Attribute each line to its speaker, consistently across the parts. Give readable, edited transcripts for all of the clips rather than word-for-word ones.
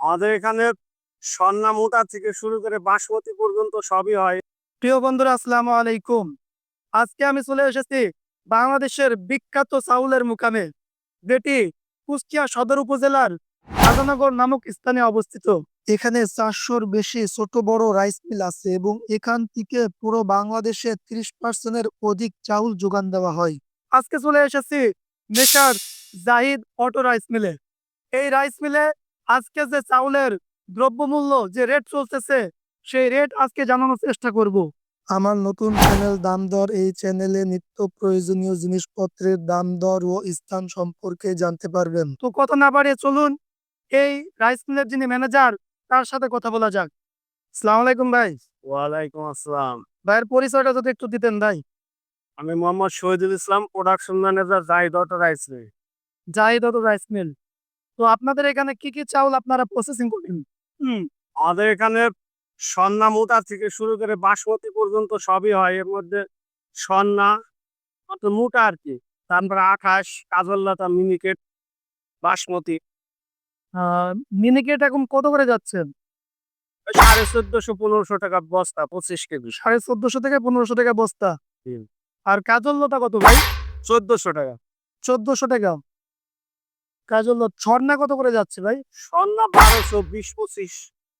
Speaker 1: আমাদের এখানে সন্না মোটা থেকে শুরু করে বাসমতি পর্যন্ত সবই হয়।
Speaker 2: প্রিয় বন্ধুরা, আসসালামু আলাইকুম। আজকে আমি চলে এসেছি বাংলাদেশের বিখ্যাত চাউলের মুকামে, যেটি কুষ্টিয়া সদর উপজেলার রাজানগর নামক স্থানে অবস্থিত। এখানে 400-র বেশি ছোট বড় রাইস মিল আছে এবং এখান থেকে পুরো বাংলাদেশে 30% অধিক চাউল যোগান দেওয়া হয়। আজকে চলে এসেছি মেসার জাহিদ অটো রাইস মিলে। এই রাইস মিলে আজকে যে চাউলের দ্রব্যমূল্য যে রেট চলতেছে, সেই রেট আজকে জানানোর চেষ্টা করব। আমার নতুন চ্যানেল দাম দর, এই চ্যানেলে নিত্য প্রয়োজনীয় জিনিসপত্রের দাম দর ও স্থান সম্পর্কে জানতে পারবেন। তো কথা না বাড়িয়ে চলুন এই রাইস মিলের যিনি ম্যানেজার তার সাথে কথা বলা যাক। আসসালামু আলাইকুম ভাই।
Speaker 1: ওয়ালাইকুম আসসালাম।
Speaker 2: ভাইয়ের পরিচয়টা যদি একটু দিতেন ভাই।
Speaker 1: আমি Mohammad Shahidul Islam, production manager, Zahid auto rice mill.
Speaker 2: Zahid auto rice mill. তো আপনাদের এখানে কি কি চাউল আপনারা প্রসেসিং করেন?
Speaker 1: আমাদের এখানে সন্না মোটা থেকে শুরু করে বাসমতি পর্যন্ত সবই হয়। এর মধ্যে সন্না মোটা আর কি, তারপরে আঠাশ, কাজললতা, মিনিকেট, বাসমতি।
Speaker 2: মিনিকেট এখন কত করে যাচ্ছেন?
Speaker 1: 1450-1500 টাকা বস্তা, 25 কেজি।
Speaker 2: 1450 থেকে 1500 টাকা বস্তা।
Speaker 1: হুম।
Speaker 2: আর কাজল লতা কত ভাই?
Speaker 1: 1400 টাকা।
Speaker 2: 1400 টাকা। কাজল লতা ছড়না কত করে যাচ্ছে ভাই?
Speaker 1: সন্না 1200, 20, 25।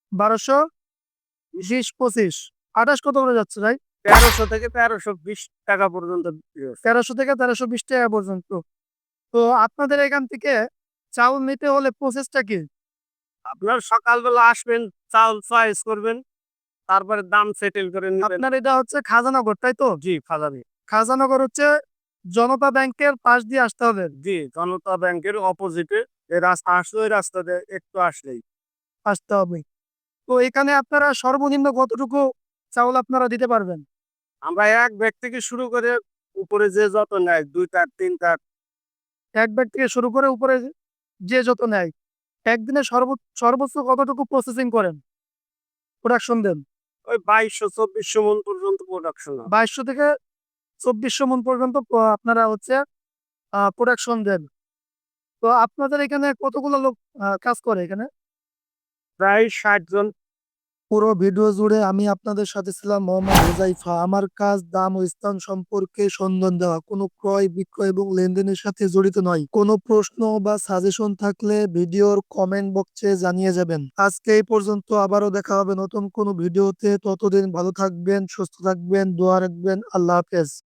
Speaker 2: 1220, 25। আঠাশ কত করে যাচ্ছে ভাই?
Speaker 1: 1300 থেকে 1320 টাকা পর্যন্ত বিক্রি হচ্ছে।
Speaker 2: 1300 থেকে 1320 টাকা পর্যন্ত। তো আপনাদের এখান থেকে চাউল নিতে হলে প্রসেসটা কি?
Speaker 1: আপনার সকালবেলা আসবেন, চাউল চয়েস করবেন, তারপরে দাম সেটেল করে নেবেন।
Speaker 2: আপনার এটা হচ্ছে খাজানগর, তাই তো?
Speaker 1: জি, খাজানি।
Speaker 2: খাজানগর হচ্ছে জনতা ব্যাংকের পাশ দিয়ে আসতে হবে।
Speaker 1: জি, জনতা ব্যাংকের অপোজিটে এই রাস্তা আসলে, ওই রাস্তা দিয়ে একটু আসলেই।
Speaker 2: আসতে হবে। তো এখানে আপনারা সর্বনিম্ন কতটুকু চাউল আপনারা দিতে পারবেন?
Speaker 1: আমরা এক ব্যাগ থেকে শুরু করে উপরে যে যত নেয়, 2 টার 3 টার।
Speaker 2: এক ব্যাগ থেকে শুরু করে উপরে যে যত নেয়, একদিনে সর্বোচ্চ কতটুকু প্রসেসিং করেন, প্রোডাকশন দেন?
Speaker 1: ওই 2200-2400 মন পর্যন্ত প্রোডাকশন হয়।
Speaker 2: 2200 থেকে 2400 মন পর্যন্ত আপনারা হচ্ছে প্রোডাকশন দেন। তো আপনাদের এখানে কতগুলো লোক কাজ করে এখানে?
Speaker 1: প্রায় 60 জন।
Speaker 2: পুরো ভিডিও জুড়ে আমি আপনাদের সাথে ছিলাম মোহাম্মদ হুজাইফা। আমার কাজ দাম ও স্থান সম্পর্কে সন্ধান দেওয়া, কোনো ক্রয় বিক্রয় এবং লেনদেনের সাথে জড়িত নয়। কোনো প্রশ্ন বা সাজেশন থাকলে ভিডিওর কমেন্ট বক্সে জানিয়ে যাবেন। আজকে এই পর্যন্ত, আবারও দেখা হবে নতুন কোনো ভিডিওতে। ততদিন ভালো থাকবেন, সুস্থ থাকবেন, দোয়া রাখবেন। আল্লাহ হাফেজ।